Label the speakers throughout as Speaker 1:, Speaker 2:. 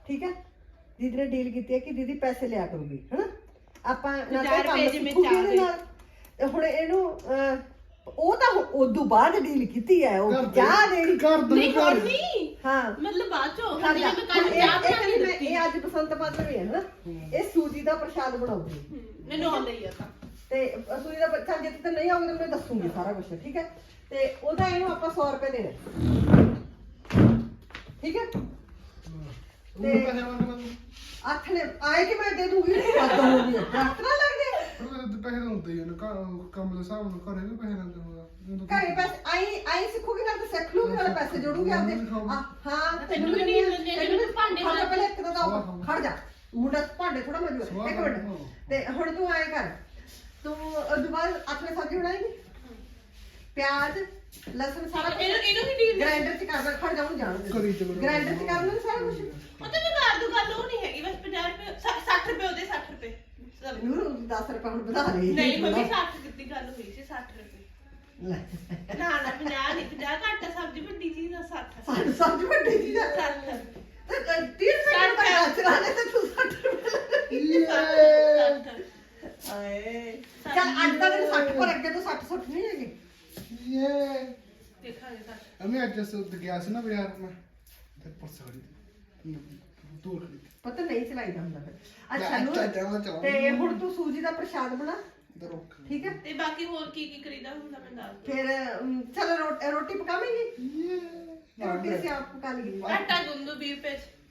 Speaker 1: ठीक है दीदी ने डील की है कि दीदी पैसे लिया करूगी है ना ਆਪਾਂ ਹੁਣ ਇਹਨੂੰ ਉਹ ਤਾਂ ਉਦੋਂ ਬਾਅਦ ਡੀਲ ਕੀਤੀ ਹੈ ਉਹ ਚਾਹ ਦੇਣੀ
Speaker 2: ਨਹੀਂ ਕਰਨੀ
Speaker 1: ਹਾਂ
Speaker 2: ਮਤਲਬ ਬਾਅਦ ਚੋਂ
Speaker 1: ਇਹ ਅੱਜ ਬਸੰਤ ਪੰਚਮੀ ਹੈ ਨਾ ਇਹ ਸੂਜੀ ਦਾ ਪ੍ਰਸ਼ਾਦ ਬਣਾਉਗੀ
Speaker 2: ਮੈਨੂੰ ਆਉਂਦਾ ਹੀ ਆ ਤਾਂ
Speaker 1: ਤੇ ਸੂਜੀ ਦਾ ਪ੍ਰਸ਼ਾਦ ਜੇ ਤੇ ਨਹੀਂ ਆਉਂਦਾ ਮੈਂ ਦੱਸੂਗੀ ਸਾਰਾ ਕੁਝ ਠੀਕ ਹੈ ਤੇ ਉਹਦਾ ਇਹਨੂੰ ਆਪਾਂ 100 ਰੁਪਏ ਦੇਣਾ ਠੀਕ ਹੈ ਤੇ ਆਖਣੇ ਆਏ ਕਿ ਮੈਂ ਦੇ ਦੂੰਗੀ ਸਾਦਾ ਹੋ ਗਿਆ ਡਾਕਟਰ ਨਾ ਲੱਗਦੇ
Speaker 3: ਪੈਸੇ ਹੁੰਦੇ ਹੀ ਨੇ ਕੰਮ ਦੇ ਹਿਸਾਬ ਨਾਲ ਘਰੇ ਵੀ ਪੈਸੇ ਲੈਂਦੇ ਹੋਗਾ
Speaker 1: ਘਰੇ ਪੈਸੇ ਆਈ ਸਿੱਖੂਗੀ ਨਾਲ ਤੇ ਸਿੱਖ ਲੂਗੀ ਨਾਲ ਪੈਸੇ ਜੋੜੂਗੀ ਆਪਦੇ ਹਾਂ
Speaker 2: ਤੈਨੂੰ ਵੀ ਨਹੀਂ ਦਿੰਦੇ ਭਾਂਡੇ
Speaker 1: ਪਹਿਲੇ ਇੱਕ ਤਾਂ ਖੜ ਜਾ ਮੁੰਡਾ ਭਾਂਡੇ ਥੋੜਾ ਮਜੂਆ ਇੱਕ ਮਿੰਟ ਤੇ ਹੁਣ ਤੂੰ ਆਏ ਕਰ ਤੂੰ ਦੁਬਾਰਾ ਆਥਰੇ ਸਬਜ਼ੀ ਬਣਾਏਂਗੀ ਪਿਆਜ਼ ਲਸਣ ਸਾਰਾ
Speaker 2: ਇਹਨੂੰ ਵੀ ਡੀਲ
Speaker 1: ਗ੍ਰਾਈਂਡਰ ਚ ਕਰ ਖੜ ਜਾ ਉਹਨੂੰ ਜਾਣ ਦੇ ਗ੍ਰਾਈਂਡਰ ਚ ਕਰ ਲੈਣਾ ਸਾਰਾ ਕੁਝ
Speaker 2: ਪਤਾ ਨਹੀਂ ਕਰ ਦੂ ਗੱਲ ਉਹ ਨਹੀਂ ਹੈਗੀ ਬਸ 50 ਰੁਪਏ 60 ਰੁਪਏ ਉਹਦੇ 60 ਰੁਪਏ
Speaker 1: ਨੂਰ 10 ਰੁਪਏ ਹੁਣ ਵਧਾ ਲਈ
Speaker 2: ਨਹੀਂ ਮੰਮੀ 60 ਕਿੰਨੀ ਗੱਲ ਹੋਈ ਸੀ 60 ਰੁਪਏ
Speaker 1: ਲੈ
Speaker 2: ਨਾ 50 ਨਹੀਂ 50 ਘੱਟ ਸਬਜ਼ੀ ਵੱਡੀ ਚੀਜ਼ ਦਾ 60
Speaker 1: ਸਬਜ਼ੀ ਵੱਡੀ ਚੀਜ਼ ਆ
Speaker 2: 60
Speaker 1: ਤੇ 30 ਰੁਪਏ ਦਾ ਚਲਾਣੇ ਤੇ ਤੂੰ 60 ਰੁਪਏ ਆਏ ਚੱਲ ਅੱਜ ਦਾ ਦਿਨ 60 ਪਰ ਅੱਗੇ ਤੋਂ 60 60 ਨਹੀਂ ਹੈਗੇ
Speaker 2: ਦੇਖਾਂਗੇ ਤਾਂ
Speaker 3: ਅਮੀ ਅੱਜ ਗਿਆ ਸੀ ਨਾ ਬਾਜ਼ਾਰ ਮੈਂ ਤੇ ਪਰਸਾੜੀ ਤੋੜ ਖੜੀ
Speaker 1: ਪਤਾ ਨਹੀਂ ਚਲਾਈਦਾ ਹੁੰਦਾ ਫਿਰ ਅੱਛਾ ਨੂਰ ਤੇ ਹੁਣ ਤੂੰ ਸੂਜੀ ਦਾ ਪ੍ਰਸ਼ਾਦ ਬਣਾ ਠੀਕ ਹੈ
Speaker 2: ਤੇ ਬਾਕੀ ਹੋਰ ਕੀ ਕੀ ਕਰੀਦਾ ਹੁੰਦਾ ਮੈਂ ਦੱਸ
Speaker 1: ਫਿਰ ਚਲ ਰੋਟੀ ਪਕਾਵੇਂਗੀ ਰੋਟੀ ਅਸੀਂ ਆਪ ਪਕਾ ਲਈਏ
Speaker 2: ਆਟਾ ਗੁੰਦੂ 20 ਰੁਪਏ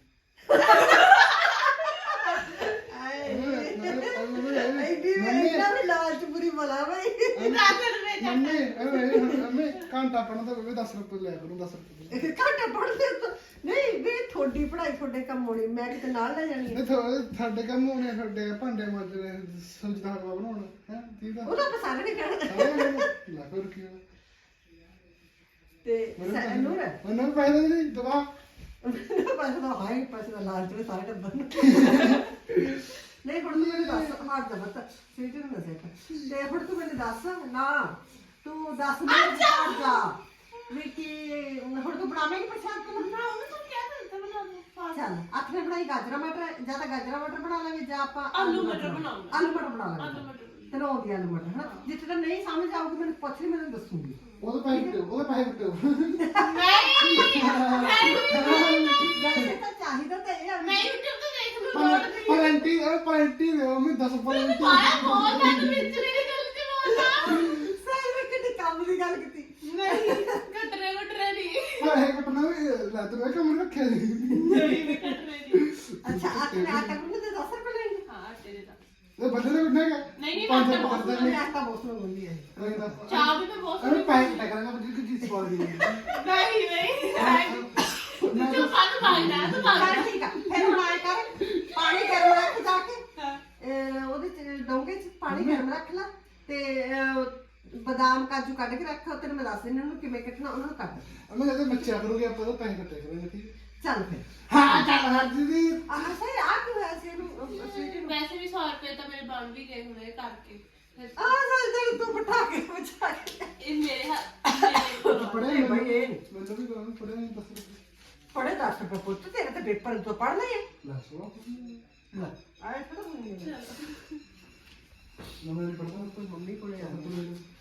Speaker 1: ਇੰਨਾ ਵੀ ਲਾਲਚ ਬੁਰੀ ਬਲਾ ਬਈ
Speaker 2: 10 ਰੁਪਏ
Speaker 3: ਮੰਮੀ ਘੰਟਾ ਪੜਨ ਦਾ 10 ਰੁਪਏ ਲੈ ਕਰੂੰ 10 ਰੁਪਏ
Speaker 1: ਘੰਟਾ ਪੜਦੇ ਨਹੀਂ ਵੀ ਤੁਹਾਡੀ ਪੜ੍ਹਾਈ ਤੁਹਾਡੇ ਕੰਮ ਹੋਣੀ ਮੈਂ ਕਿਤੇ ਨਾਲ ਲੈ ਜਾਣੀ ਹੈ
Speaker 3: ਤੁਹਾਡੇ ਕੰਮ ਹੋਣੇ ਤੁਹਾਡੇ ਭਾਂਡੇ ਮਾਂਜਣੇ ਸਬਜ਼ੀ ਦਾ ਹਲਵਾ ਬਣਾਉਣਾ ਹੈ ਠੀਕ ਆ
Speaker 1: ਉਹਦਾ ਤਾਂ ਸਾਰੇ ਨਹੀਂ ਕਹਿਣਾ
Speaker 3: ਲੈ ਫਿਰ ਕੀ
Speaker 1: ਤੇ ਨੂਰ
Speaker 3: ਮੈਨੂੰ ਪੈਸੇ ਦੇ ਦਵਾ
Speaker 1: ਪੈਸੇ ਦਾ ਹਾਈ ਪੈਸੇ ਦਾ ਲਾਲਚ ਵਿੱਚ ਸਾਰੇ ਟੱਬਰ ਨੂੰ ਨਹੀਂ ਹੁਣ ਤੂੰ ਮੈਨੂੰ ਦੱਸ ਮਾਰ ਦਾ ਬੱਤ ਸੀਟੀ ਨੂੰ ਦੱਸੇ ਤੇ ਹੁਣ ਤੂੰ ਮੈਨੂੰ ਦੱਸ ਨਾ ਤੂੰ ਦੱਸ ਮੈਨੂੰ ਜਾ ਵੀ ਕੀ ਹੁਣ ਤੂੰ ਬਣਾਵੇਂਗੀ ਪ੍ਰਸ਼ਾਦ ਤੂੰ
Speaker 2: ਬਣਾਉਂਗਾ ਤੂੰ ਕਿਹਾ ਤਾਂ ਬਣਾ ਦੋ
Speaker 1: ਚੱਲ ਆਖਰੇ ਬਣਾਈ ਗਾਜਰਾ ਮਟਰ ਜਾਂ ਤਾਂ ਗਾਜਰਾ ਮਟਰ ਬਣਾ ਲਾਂਗੇ ਜਾਂ ਆਪਾਂ
Speaker 2: ਆਲੂ ਮਟਰ ਬਣਾਉਂਗੇ
Speaker 1: ਆਲੂ ਮਟਰ ਬਣਾ
Speaker 2: ਆਲੂ
Speaker 1: ਲਾਂਗੇ
Speaker 2: ਮਟਰ
Speaker 1: ਤੈਨੂੰ ਆਉਂਦੀ ਆਲੂ ਮਟਰ ਹਾਂ ਜਿੱਥੇ ਤੱਕ ਨਹੀਂ ਸਮਝ ਆਊਗੀ ਮੈਨੂੰ ਪੁੱਛ ਲਈ ਮੈਨੂੰ ਦੱਸੂਗੀ
Speaker 3: ਉਹਦੇ ਪੈਸੇ ਕਿਉਂ
Speaker 1: ਵੈਸੇ ਤਾਂ ਚਾਹੀਦਾ ਤਾਂ ਇਹ ਆ
Speaker 2: ਮੈਂ YouTube ਤੋਂ ਦੇਖ ਲੂ
Speaker 3: ਪਲੰਟੀ ਦੇ ਮੈਂ 10 ਪਲੰਟੀ
Speaker 2: ਪਾਇਆ ਬਹੁਤ ਤੱਕ ਵਿੱਚ ਨਹੀਂ ਗੱਲ ਤੇ ਬੋਲਦਾ
Speaker 1: ਸਹੀ ਵਿੱਚ ਕਿਤੇ ਕੰਮ ਦੀ ਗੱਲ ਕੀਤੀ
Speaker 2: ਨਹੀਂ ਘਟਰੇ ਨਹੀਂ
Speaker 3: ਪੈਸੇ ਕੱਟਣਾ ਵੀ ਲੈ ਤੂੰ ਕੰਮ ਰੱਖਿਆ ਨਹੀਂ
Speaker 2: ਨਹੀਂ ਘਟਰੇ ਨਹੀਂ
Speaker 1: ਅੱਛਾ ਆਟਾ ਗੁੰਨ ਤੇ 10 ਰੁਪਏ ਲੈਣਗੇ
Speaker 2: ਹਾਂ ਤੇਰੇ ਦਾ
Speaker 3: ਇਹ ਬੰਦੇ ਨੇ ਉੱਠਣਾ ਹੈਗਾ
Speaker 2: ਨਹੀਂ
Speaker 3: ਪੰਜ
Speaker 2: ਮੈਂ
Speaker 3: ਪਕੜਦਾ
Speaker 1: ਮੈਂ ਆਟਾ ਬਹੁਤ ਸੋਹਣਾ ਗੁੰਦੀ ਹੈ
Speaker 2: ਚਾਹ ਵੀ ਮੈਂ ਬਹੁਤ
Speaker 3: ਅਰੇ ਪੈਸੇ ਕੱਟਾ ਕਰਾਂਗਾ ਮੁझे ਕੁਝ ਚੀਜ਼ ਸਵਾਲ ਦੀ
Speaker 2: ਨਹੀਂ ਤੂੰ ਸਾਨੂੰ ਮਾਰਦਾ ਤੂੰ ਮਾਰਦਾ
Speaker 1: ਚੱਲ ਠੀਕ ਆ ਫਿਰ ਹੁਣ ਆਏ ਕਰ ਪਾਣੀ ਗਰਮ ਰੱਖ ਜਾ ਕੇ ਉਹਦੇ ਚ ਡੋਂਗੇ ਚ ਪਾਣੀ ਗਰਮ ਰੱਖ ਲੈ ਤੇ ਬਦਾਮ ਕਾਜੂ ਕੱਢ ਕੇ ਰੱਖ ਤੈਨੂੰ ਮੈਂ ਦੱਸ ਦਿੰਦੀ ਉਹਨੂੰ ਕਿਵੇਂ ਕੱਟਣਾ ਉਹਨਾਂ ਨੂੰ ਕੱਟ
Speaker 3: ਮੈਂ ਜਦੋਂ ਬੱਚਾ ਕਰੂਗੇ ਆਪਾਂ ਤਾਂ ਪੈਸੇ ਕੱਟੇ ਕਰਾਂਗੇ ਠੀਕ
Speaker 1: ਚੱਲ ਫਿਰ
Speaker 3: ਹਾਂ ਚੱਲ ਹਰ ਦੀਦੀ
Speaker 1: ਆਹ ਸਹੀ ਆ ਕੀ ਹੋਇਆ ਸੀ ਇਹਨੂੰ ਸਵੀਟੀ ਨੂੰ
Speaker 2: ਵੈਸੇ ਵੀ 100 ਰੁਪਏ ਤਾਂ ਮੇਰੇ ਬਣ ਵੀ ਗਏ ਹੁਣੇ ਕਰਕੇ
Speaker 1: ਚੱਲ ਤੂੰ ਬਿਠਾ ਕੇ ਬਚਾ ਕੇ
Speaker 2: ਇਹ ਮੇਰੇ ਹੱਥ
Speaker 3: ਪੜੇ
Speaker 1: ਨਹੀਂ ਬਈ ਇਹ
Speaker 3: ਮੈਨੂੰ ਵੀ ਕਰਾਂ ਪੜੇ ਨਹੀਂ 10 ਰੁਪਏ
Speaker 1: ਪੜੇ 10 ਰੁਪਏ ਪੁੱਤ ਤੇਰੇ ਤੇ ਪੇਪਰ ਤੋਂ ਪੜ੍ਹਨਾ ਹੈ
Speaker 3: ਲੈ ਸੋ
Speaker 1: ਲੈ ਆਏ ਥੋੜਾ ਹੋਣੀ
Speaker 3: ਮੈਂ ਨਹੀਂ ਪੜਦਾ ਕੋਈ
Speaker 1: ਮੰਮੀ ਕੋਲੇ ਆ